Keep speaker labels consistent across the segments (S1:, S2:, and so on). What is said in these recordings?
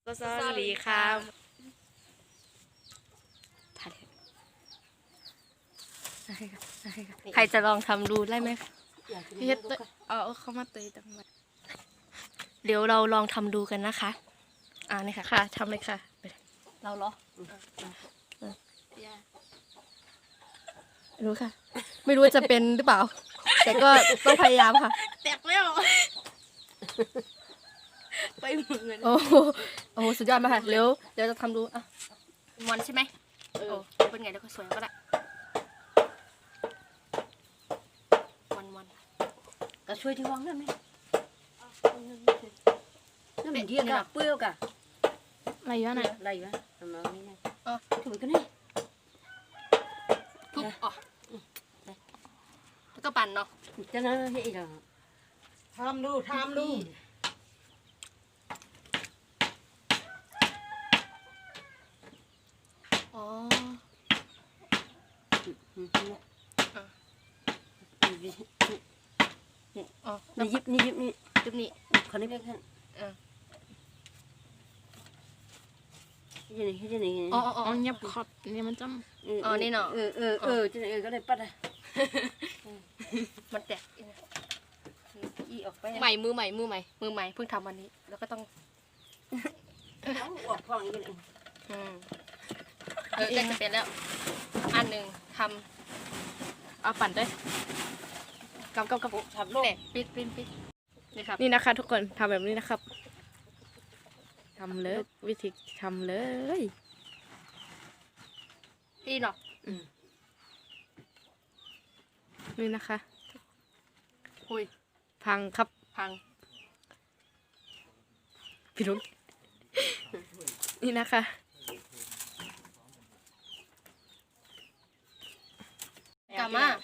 S1: ก็สวัสดีครับใครจะลองทำดูได้ไหมพี่เฮ็ดเอาเข้ามาเตยตังมาเดี๋ยวเราลองทำดูกันนะคะนี่ค่ะทำเลยค่ะเราเหรอรู้ค่ะ ไม่รู้จะเป็นหรือเปล่า แต่ก็ต้องพยายามค่ะแตกแล้วไปเหมือนโอ้โหสุดยอดมากค่ะเดี๋ยวจะทำดูมันใช่ไหมเป็นไงแล้วก็สวยก็ได้มัน
S2: ก็ช่วยที่วางได้ไหมน้ำมันเดียวกับเปรี้ยวกับ
S1: อะไรอยู่น่ะ
S2: อะไรวะทำเอานี่ไงถูกกันนี่
S1: ทุบแล้วก็ปั่นเนาะ
S2: จะนั่นให้อีกเหรอทำดู
S1: อ๋อ
S2: นี่ยิบนี่คนนี้เป็นให้จะนี่
S1: อ๋อเงียบขอบนี่มันจำนี่เนาะ
S2: จะนี่ก็เลยปัดอ่ะ
S1: มันแตก
S2: อีออกไป
S1: มือใหม่เพิ่งทำวันนี้แล้วก็ต้อง
S2: ออกพองอีกเลย
S1: ใกล้จะเป็นแล้วอันหนึ่งทำเอาปั่นด้วยกับ
S2: ทำโลก
S1: ปิดนี่ครับ
S3: นี่นะคะทุกคนทำแบบนี้นะครับทำเลยวิธีทำเลย
S1: พี่เนาะ
S3: นี่นะคะ
S1: หุย
S3: พังครับ
S1: พัง
S3: พี่ลุงนี่นะคะ
S1: กามา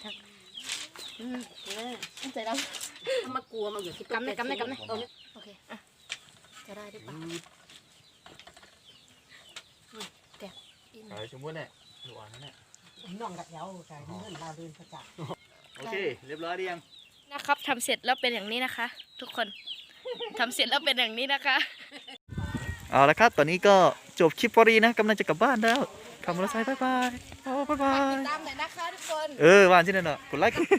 S1: ใจด
S2: ำมากลัวมาอยู่ที่
S1: กำได้โอเคจะได้หรือเปล่าแตก
S4: ชมพู่เนี่ยหวานนะเนี่ย
S2: น้องกับเยาใช่เดินเราเดินประจักษ์
S4: โอเคเรียบร้อยดียัง
S3: นะครับทำเสร็จแล้วเป็นอย่างนี้นะคะ ทุกคนทำเสร็จแล้วเป็นอย่างนี้นะคะ
S4: เอาละครับตอนนี้ก็จบคลิปพอดีนะกำลังจะกลับบ้านแล้วขับมอเตอร์ไซค์บ๊ายบาย
S3: ตามหน่อยนะคะทุกคน
S4: ว่านที่นั่นเนาะกดไลค์